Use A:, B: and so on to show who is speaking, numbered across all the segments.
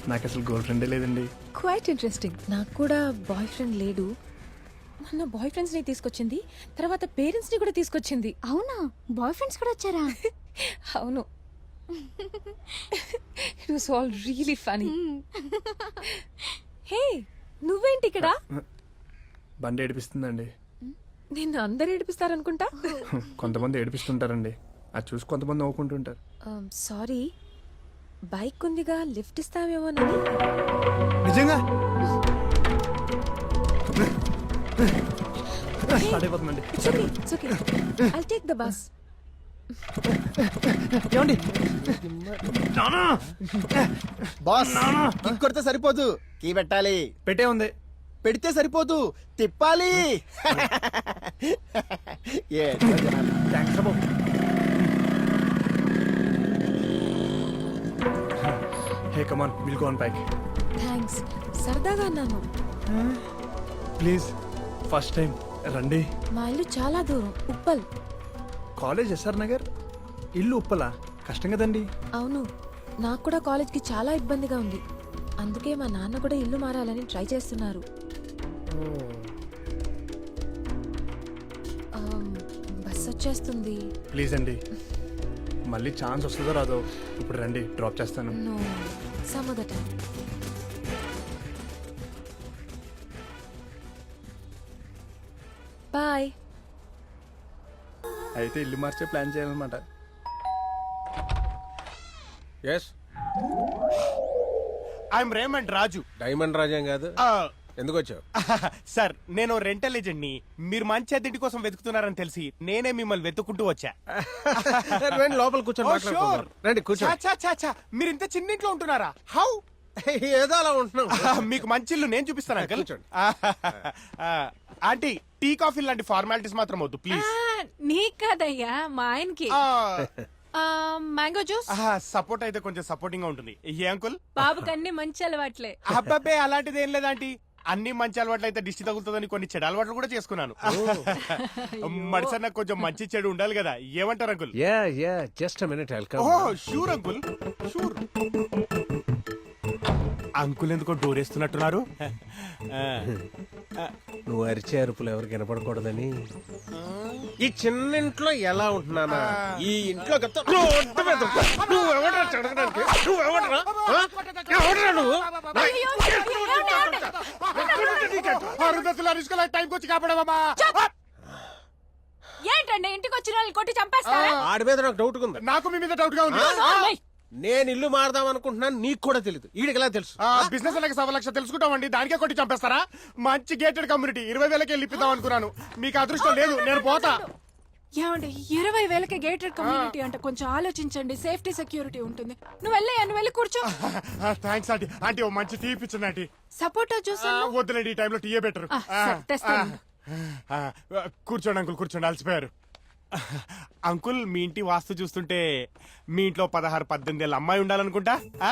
A: నాకు అసలు గర్ల్ ఫ్రెండే లేదండి.
B: Quite interesting. నాకు కూడా బాయ్ ఫ్రెండ్ లేడు. మొన్న బాయ్ ఫ్రెండ్స్ ని తీసుకొచ్చింది, తర్వాత పేరెంట్స్ ని కూడా తీసుకొచ్చింది.
C: అవునా, బాయ్ ఫ్రెండ్స్ కూడా వచ్చారా?
B: అవును. It was all really funny. Hey, నువ్వేంటి ఇక్కడ?
A: బండి ఏడిపిస్తుందండి.
B: నిన్ను అందరు ఏడిపిస్తారనుకుంటా.
A: కొంతమంది ఏడిపిస్తుంటారండి, అది చూసి కొంతమంది నవ్వుకుంటుంటారు.
B: సారీ, బైక్ ఉందిగా, లిఫ్ట్ ఇస్తావేమోనని.
A: నిజంగా స్టార్ట్ అయిపోతుందండి.
B: It's okay. I'll take the bus.
A: ఏమండి
D: బాస్ కిక్ కొడితే సరిపోదు, కీ పెట్టాలి.
A: పెట్టే ఉంది.
D: పెడితే సరిపోదు, తిప్పాలి.
A: థ్యాంక్స్ బాబు. Hey come on, will go on bike.
B: Thanks, సరదాగా అన్నాను.
A: ప్లీజ్, ఫస్ట్ టైం రండి.
B: మా ఇల్లు చాలా దూరం, ఉప్పల్.
A: కాలేజ్ ఎస్ఆర్ నగర్, ఇల్లు ఉప్పలా? కష్టం కదండి.
B: అవును, నాకు కూడా కాలేజ్కి చాలా ఇబ్బందిగా ఉంది. అందుకే మా నాన్న కూడా ఇల్లు మారాలని ట్రై చేస్తున్నారు. బస్ వచ్చేస్తుంది.
A: ప్లీజ్ అండి, మళ్ళీ ఛాన్స్ వస్తుందో రాదో. ఇప్పుడు రండి, డ్రాప్ చేస్తాను.
B: No, some other time. Bye.
A: అయితే ఇల్లు మార్చే ప్లాన్ చేయాలన్నమాట.
E: Yes,
F: I'm Raymond Raju.
E: Diamond రాజేం కాదు. ఎందుకు వచ్చావు?
F: సార్, నేను రెంటల్ ఏజెంట్ ని. మీరు మంచి అద్దెంటి కోసం వెతుకుతున్నారని తెలిసి నేనే మిమ్మల్ని వెతుక్కుంటూ వచ్చా.
E: రండి, లోపల కూర్చొని
F: Oh,
E: మాట్లాడుకుందాం.
F: sure.
E: రండి కూర్చోండి.
F: చా, చా, చా. మీరు ఇంత చిన్న ఇంట్లో ఉంటున్నారా? హౌ?
E: ఏదో అలా ఉంటున్నాం.
F: మీకు మంచి ఇల్లు నేను చూపిస్తాను అంకల్.
E: కూర్చోండి.
F: ఆంటీ, టీ కాఫీ లాంటి ఫార్మాలిటీస్ మాత్రం వద్దు ప్లీజ్.
B: నీకు కదయ్యా, మా ఆయనకి. Mango juice.
F: సపోర్ట్ అయితే కొంచెం సపోర్టింగ్ గా ఉంటుంది. ఏ అంకుల్?
B: బాబుకి అన్ని మంచి అలవాట్లే.
F: అబ్బాబే, అలాంటిది ఏం లేదంటీ. అన్ని మంచి అలవాట్లు అయితే దిష్టి తగులుతుందని కొన్ని చెడు అలవాట్లు కూడా చేసుకున్నాను. మడిసా నాకు కొంచెం మంచి చెడు ఉండాలి కదా. ఏమంటారు uncle?
E: Yeah yeah, just a minute, I'll come.
F: Oh sure uncle, sure. Uncle ఎందుకో డోర్ వేస్తున్నట్టున్నారు.
E: నువ్వు అరిచే అరుపులు ఎవరికి వినపడకూడదని. ఈ చిన్న ఇంట్లో ఎలా ఉంటున్నానా, ఈ ఇంట్లో
F: టైంకి వచ్చి కాపాడమా.
B: ఏంటండి ఇంటికి వచ్చిన వాళ్ళు కొట్టి చంపేస్తారా?
E: ఆడి మీద నాకు డౌట్ ఉంది.
F: నాకు మీ మీద డౌట్ గా ఉంది.
E: నేను ఇల్లు మారదాం అనుకుంటున్నాను, నీకు కూడా తెలియదు. వీడికి ఎలా తెలుసు?
F: బిజినెస్ అలాగే 1,00,000 తెలుసుకుంటామండి, దానికే కొట్టి చంపేస్తారా? మంచి గేటెడ్ కమ్యూనిటీ 20,000కి వెళ్ళిపిద్దాం అనుకున్నాను. మీకు అదృష్టం లేదు, నేను పోతా.
G: ఏమండి, 20,000కి గేటెడ్ కమ్యూనిటీ అంటే కొంచెం ఆలోచించండి. సేఫ్టీ సెక్యూరిటీ ఉంటుంది. నువ్వు వెళ్ళి కూర్చో.
F: Thanks aunty. ఆంటీ, ఓ మంచి టీ ఇప్పించండి ఆంటీ.
G: సపోటా జ్యూస్
F: వద్దులేండి, ఈ టైంలో టీయే బెటర్.
G: తెస్తాను.
F: కూర్చోండి అంకుల్, కూర్చోండి, అలసిపోయారు. అంకుల్, మీ ఇంటి వాస్తు చూస్తుంటే మీ ఇంట్లో 16-18 ఏళ్ళ అమ్మాయి ఉండాలనుకుంటా.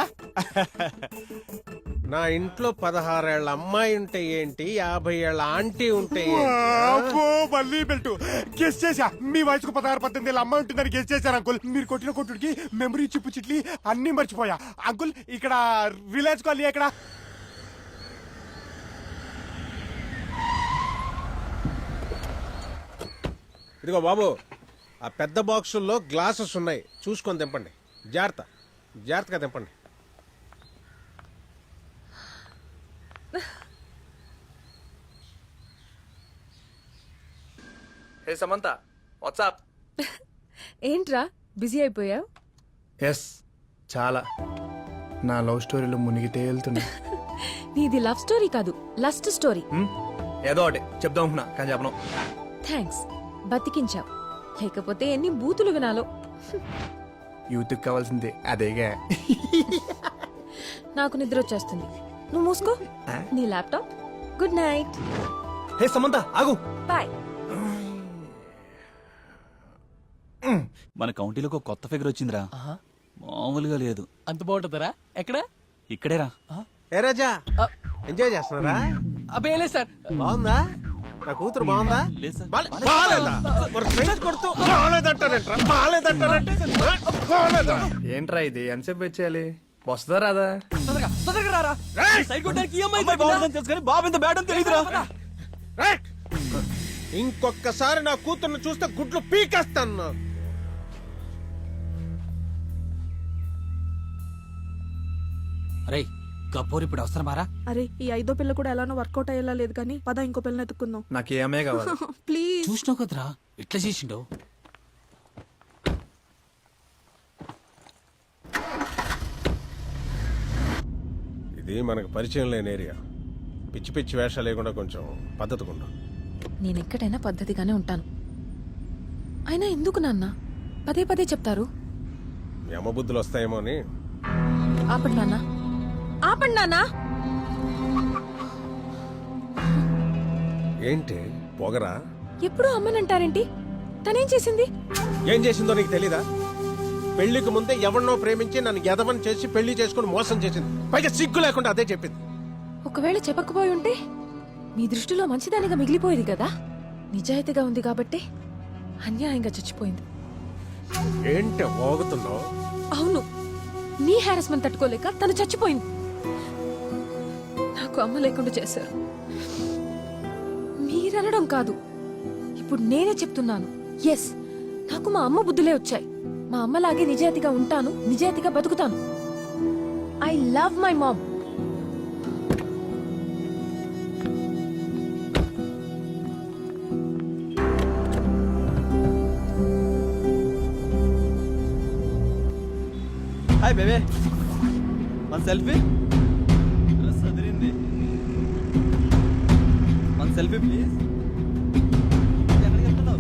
E: నా ఇంట్లో 16 ఏళ్ల అమ్మాయి ఉంటే ఏంటి, 50 ఏళ్ల ఆంటీ ఉంటే ఏంటి?
F: అబ్బో, మళ్ళీ బెల్ట్ గెస్ చేశా. మీ వయసుకు 16-18 ఏళ్ళ అమ్మాయి ఉంటుందని గెస్ చేశాను అంకుల్. మీరు కొట్టిన కొట్టుడికి మెమరీ చిప్పు చిట్లి అన్ని మర్చిపోయా. అంకుల్, ఇక్కడ రిలయన్స్ కాలనీ ఎక్కడ?
E: ఇదిగో బాబు, ఆ పెద్ద బాక్సుల్లో గ్లాసెస్ ఉన్నాయి, చూసుకొని తెంపండి. జాగ్రత్తగా తెంపండి.
A: Hey Samantha, what's up?
B: ఏంట్రా బిజీ అయిపోయావు?
A: ఎస్, చాలా. నా లవ్ స్టోరీలో మునిగితే వెళ్తున్నా.
B: నీది లవ్ స్టోరీ కాదు, లస్ట్ స్టోరీ.
A: ఏదో ఒకటి చెప్దాం అనుకున్నా, కానీ చెప్పను.
B: థ్యాంక్స్, బతికించావు. లేకపోతే ఎన్ని బూతులు వినాలో.
A: యూత్కి కావాల్సిందే అదేగా.
B: నాకు నిద్ర వచ్చేస్తుంది, నువ్వు మూసుకో. నీ laptop. Good night.
A: Hey Samantha, ఆగు.
B: బాయ్.
H: మన కౌంటీలోకి ఒక కొత్త ఫిగర్ వచ్చిందిరా, మామూలుగా లేదు.
I: అంత బాగుంటుందరా? ఎక్కడ?
H: ఇక్కడేరా.
E: ఏ రాజా, ఎంజాయ్ చేస్తున్నారా?
I: అబ్బే లేదు సార్.
E: బాగుందా? నా కూతురు బాగుందా?
H: లేదు సార్.
E: బాలేదా? మరి ఫ్రెండ్స్ కొడుతూ బాలేదంటారంట్రా. బాలేదంటారంటే బాలేదా?
A: ఏంట్రా ఇది, ఎంతసేపు వెయిట్ చేయాలి? వస్తుందా రాదా?
I: తొందరగా రారా సైడ్ కొట్టడానికి EMI
H: అమ్మాయి బాగుందని తెలుసు కానీ బాబు ఇంత బ్యాడ్ అని తెలియదురా.
E: రైట్. ఇంకొకసారి నా కూతుర్ని చూస్తే గుడ్లు పీకేస్తాను.
I: అరే గబ్బోరు ఇప్పుడు అవసరమారా?
G: అరే ఈ ఐదో పిల్ల కూడా ఎలానో వర్కౌట్ అయ్యేలా లేదు కానీ పద ఇంకో పిల్లని ఎత్తుకుందాం.
A: నాకు ఏ అమ్మాయి కావాలి.
G: ప్లీజ్.
I: చూసినావు కదరా ఎట్లా చేసిండో.
E: ఇది మనకు పరిచయం లేని ఏరియా. పిచ్చి పిచ్చి వేషాలు లేకుండా కొంచెం పద్ధతిగా ఉండు.
B: నేను ఎక్కడైనా పద్ధతిగానే ఉంటాను. అయినా ఎందుకు నాన్న పదే పదే చెప్తారు?
E: మీ అమ్మ బుద్ధులు వస్తాయేమో అని.
B: ఆపండి నాన్న, ఆపండి నాన్న.
E: ఏంటి పొగరా?
B: ఎప్పుడు అమ్మనంటారేంటి? తనేం చేసింది?
E: ఏం చేసిందో నీకు తెలీదా? పెళ్లికి ముందే ఎవరినో ప్రేమించి నన్ను ఎదవని చేసి పెళ్లి చేసుకుని మోసం చేసింది. పైగా సిగ్గు లేకుండా అదే చెప్పింది.
B: ఒకవేళ చెప్పకపోయి ఉంటే మీ దృష్టిలో మంచిదానిగా మిగిలిపోయేది కదా. నిజాయితీగా ఉంది కాబట్టి అన్యాయంగా చచ్చిపోయింది.
E: ఏంటి ఓగుతున్నావు?
B: అవును, నీ హారాస్మెంట్ తట్టుకోలేక తను చచ్చిపోయింది. నాకు అమ్మ లేకుండా చేశారు. మీరనడం కాదు, ఇప్పుడు నేనే చెప్తున్నాను. ఎస్, నాకు మా అమ్మ బుద్ధులే వచ్చాయి. మా అమ్మలాగే నిజాయితీగా ఉంటాను, నిజాయితీగా బతుకుతాను. I love my mom.
H: Hi babe, మన సెల్ఫీ. సదిరింది. మన సెల్ఫీ ప్లీజ్. ఎక్కడికి వెళ్తున్నావు?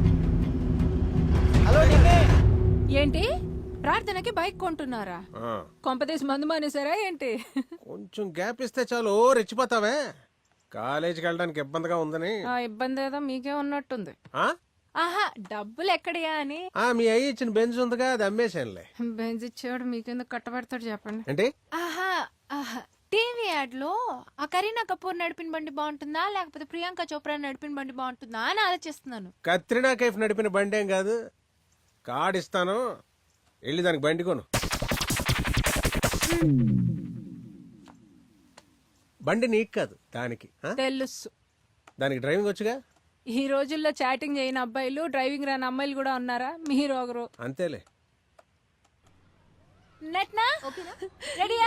G: ఏంటి ప్రార్థనకి బైక్ కొంటున్నారా?
E: ఆ,
G: కొంపదేశ్ మందు మానేశారా ఏంటి?
E: కొంచెం గ్యాప్ ఇస్తే చాలు ఓ రెచ్చిపోతావే. కాలేజీకి వెళ్ళడానికి ఇబ్బందిగా ఉందని.
G: ఆ ఇబ్బంది ఏదో మీకే ఉన్నట్టుంది.
E: ఆ?
G: ఆహా, డబ్బులు ఎక్కడియా అని.
E: ఆ, మీ అయ్యి ఇచ్చిన బెంచ్ ఉందిగా, అది అమ్మేశానులే.
G: బెంజ్ ఇచ్చేవాడు మీకెందుకు కట్టబెడతాడు చెప్పండి.
E: ఏంటి?
J: ఆహా ఆహా టీవీ యాడ్ లో ఆ కరీనా కపూర్ నడిపిన బండి బాగుంటుందా లేకపోతే ప్రియాంక చోప్రా నడిపిన బండి బాగుంటుందా అని ఆలోచిస్తున్నాను.
E: కత్రినా కైఫ్ నడిపిన బండి ఏం కాదు. కార్డు ఇస్తాను, వెళ్ళి దానికి బండి కొను. బండి నీకు కాదు, దానికి. ఆ?
G: తెలుసు.
E: దానికి డ్రైవింగ్ వచ్చుగా.
G: ఈ రోజుల్లో చాటింగ్ చేయని అబ్బాయిలు, డ్రైవింగ్ రాని అమ్మాయిలు కూడా ఉన్నారా? మీరు ఒకరు.
E: అంతేలే.
J: నట్నా రెడీయా?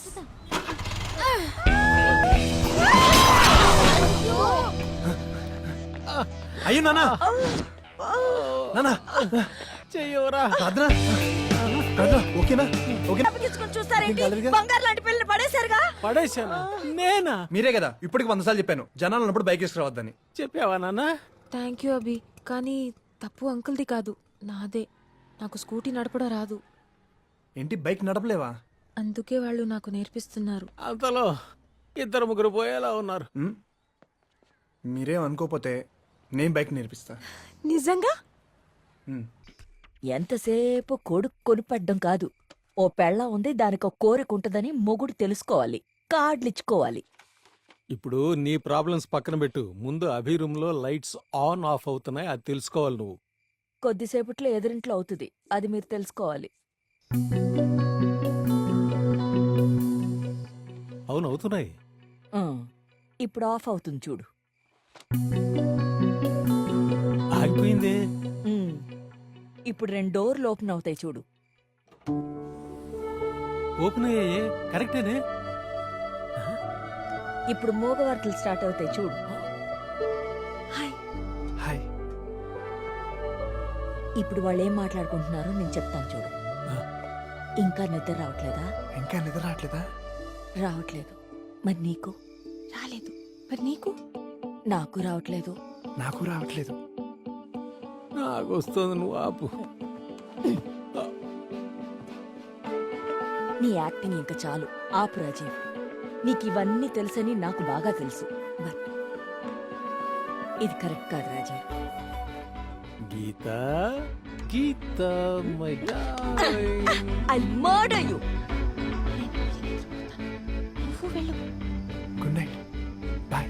A: అయ్యో నానా, నానా
I: చెయ్యవరా.
A: ప్రార్థన, ప్రార్థన, ఓకేనా? ఓకేనా?
B: బంగారు లాంటి పిల్లలు పడేశారుగా.
I: పడేశానా? నేనా?
A: మీరే కదా ఇప్పటికి 100 సార్లు చెప్పాను జనాలు ఉన్నప్పుడు బైక్ వేసుకురావద్దని.
I: చెప్పావా నాన్న?
B: థ్యాంక్ యూ అభి, కానీ తప్పు అంకుల్ది కాదు, నాదే. నాకు స్కూటీ నడపడం రాదు,
A: ఏంటి బైక్ నడపలేవా?
B: అందుకే వాళ్ళు నాకు నేర్పిస్తున్నారు.
I: అంతలో 2-3 పోయేలా ఉన్నారు.
A: మీరేం అనుకోపోతే నేను బైక్ నేర్పిస్తా.
B: నిజంగా?
K: ఎంతసేపు కొడుకు కొనిపడ్డం కాదు, ఓ పెళ్ళ ఉంది, దానికి ఒక కోరిక ఉంటుందని మొగుడు తెలుసుకోవాలి, కార్డులిచ్చుకోవాలి.
I: ఇప్పుడు నీ ప్రాబ్లమ్స్ పక్కన పెట్టు, ముందు అభి రూమ్ లో లైట్స్ ఆన్ ఆఫ్ అవుతున్నాయి, అది తెలుసుకోవాలి నువ్వు.
K: కొద్దిసేపట్లో ఎదురింట్లో అవుతుంది, అది మీరు తెలుసుకోవాలి.
I: అవును అవుతున్నాయి.
K: ఇప్పుడు ఆఫ్ అవుతుంది చూడు.
I: ఆగిపోయింది.
K: ఇప్పుడు 2 డోర్లు ఓపెన్ అవుతాయి చూడు.
I: ఓపెన్ అయ్యాయి, కరెక్టేనే.
K: ఇప్పుడు మూగవర్తులు స్టార్ట్ అవుతాయి చూడు.
A: హాయ్.
K: ఇప్పుడు వాళ్ళు ఏం మాట్లాడుకుంటున్నారో నేను చెప్తాను చూడు. ఇంకా నిద్ర రావట్లేదా?
A: ఇంకా నిద్ర రావట్లేదా?
K: రావట్లేదు. మరి నీకు?
B: రాలేదు. మరి నీకు?
K: నాకు రావట్లేదు.
A: నాకు రావట్లేదు.
I: నాకు వస్తుంది, నువ్వు ఆపు.
K: నీ యాక్టింగ్ ఇంకా చాలు, ఆపు రాజీవ్. నీకు ఇవన్నీ తెలుసని నాకు బాగా తెలుసు, బట్ ఇది కరెక్ట్ కాదు Rajeev.
I: Geetha, Geetha, my darling.
K: I murder you.
B: నువ్వు వెళ్ళు.
A: Good night, bye.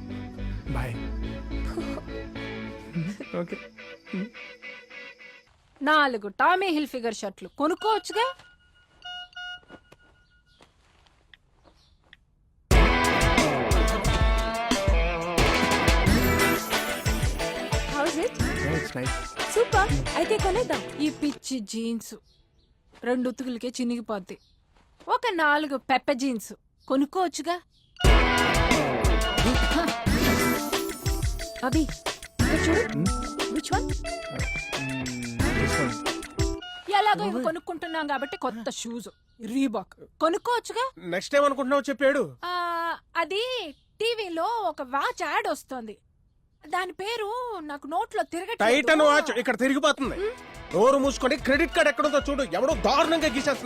A: Bye. Okay.
G: 4 Tommy Hilfiger షర్ట్లు కొనుక్కోవచ్చుగా.
B: How's it?
A: Nice nice.
B: Super. అయితే కొనేద్దాం.
G: ఈ పిచ్చి జీన్స్ 2 ఉతుకులకే చినిగిపోద్ది. ఒక 4 పెప్ప జీన్స్ కొనుక్కోవచ్చుగా.
B: అభి ఇక్కడ చూడు. Which one?
G: ఎలాగో ఇవి కొనుక్కుంటున్నాం కాబట్టి కొత్త షూస్ రీబాక్ కొనుక్కోవచ్చుగా.
E: నెక్స్ట్ టైం అనుకుంటున్నావు చెప్పాడు.
G: ఆ, అది టీవీలో ఒక వాచ్ యాడ్ వస్తుంది. దాని పేరు నాకు నోట్లో
E: టైటన్
G: తిరగట్లేదు.
E: వాచ్ ఇక్కడ తిరిగిపోతుంది. నోరు మూసుకొని క్రెడిట్ కార్డ్ ఎక్కడుందో చూడు. ఎవడో దారుణంగా గీసేస్తున్నాడు.